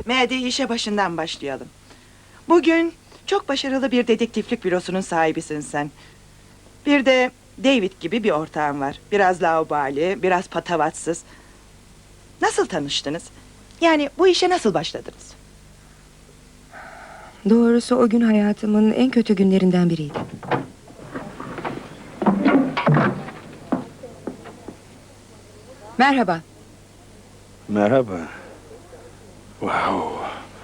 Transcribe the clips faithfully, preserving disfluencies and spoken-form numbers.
Mehdi, işe başından başlayalım. Bugün çok başarılı bir dedektiflik bürosunun sahibisin sen. Bir de David gibi bir ortağın var. Biraz laubali, biraz patavatsız. Nasıl tanıştınız? Yani bu işe nasıl başladınız? Doğrusu o gün hayatımın en kötü günlerinden biriydi. Merhaba. Merhaba. Wow.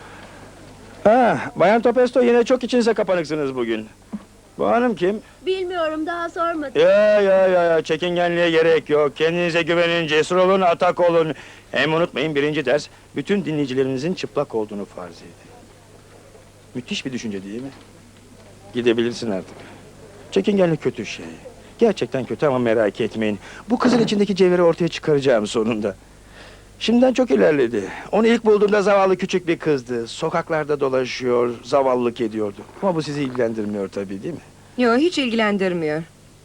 Ha, Bayan Topesto, yine çok içinize kapanıksınız bugün. Bu hanım kim? Bilmiyorum, daha sormadım. Ya ya ya ya, çekingenliğe gerek yok. Kendinize güvenin, cesur olun, atak olun. Hem unutmayın, birinci ders, bütün dinleyicilerinizin çıplak olduğunu farz edin. Müthiş bir düşünce değil mi? Gidebilirsin artık. Çekingenlik kötü şey. Gerçekten kötü ama merak etmeyin. Bu kızın içindeki cevheri ortaya çıkaracağım sonunda. Şimdiden çok ilerledi. Onu ilk bulduğumda zavallı küçük bir kızdı. Sokaklarda dolaşıyor, zavallılık ediyordu. Ama bu sizi ilgilendirmiyor tabii, değil mi? Yo, hiç ilgilendirmiyor.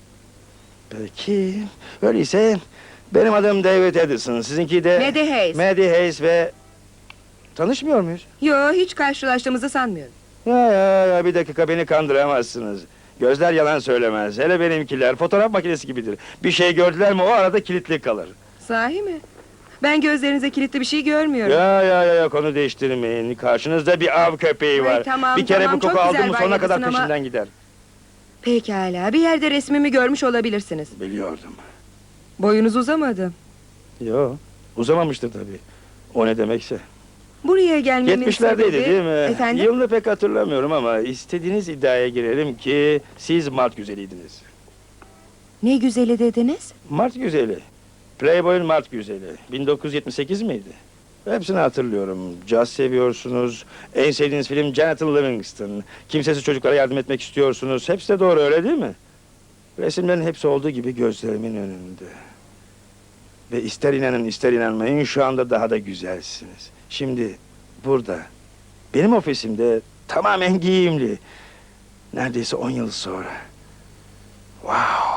Peki, öyleyse benim adım David Edison. Sizinki de... Maddie Hayes. Maddie Hayes ve... Tanışmıyor muyuz? Yo, hiç karşılaştığımızı sanmıyorum. Ya ya ya, bir dakika, beni kandıramazsınız. Gözler yalan söylemez. Hele benimkiler fotoğraf makinesi gibidir. Bir şey gördüler mi o arada kilitli kalır. Sahi mi? Ben gözlerinize kilitli bir şey görmüyorum. Ya ya ya ya, konu değiştirmeyin. Karşınızda bir av köpeği Ay, var. tamam, bir kere tamam, bu koku çok aldı güzel mı sonuna Bay kadar Edison ama- peşinden gider. Pekala, bir yerde resmimi görmüş olabilirsiniz. Biliyordum. Boyunuz uzamadı. Yo, uzamamıştır tabii. O ne demekse. Buraya gelmemin Yetmişlerdeydi sebebi... değil mi? Efendim? Yılını pek hatırlamıyorum ama istediğiniz iddiaya girelim ki siz Mart güzeliydiniz. Ne güzeli dediniz? Mart güzeli. Playboy'un Mart güzeli. bin dokuz yüz yetmiş sekiz miydi? Hepsini hatırlıyorum. Caz seviyorsunuz. En sevdiğiniz film Jonathan Livingston. Kimsesiz çocuklara yardım etmek istiyorsunuz. Hepsi de doğru, öyle değil mi? Resimlerin hepsi olduğu gibi gözlerimin önünde. Ve ister inanın ister inanmayın, şu anda daha da güzelsiniz. Şimdi burada, benim ofisimde tamamen giyimli. Neredeyse on yıl sonra. Wow!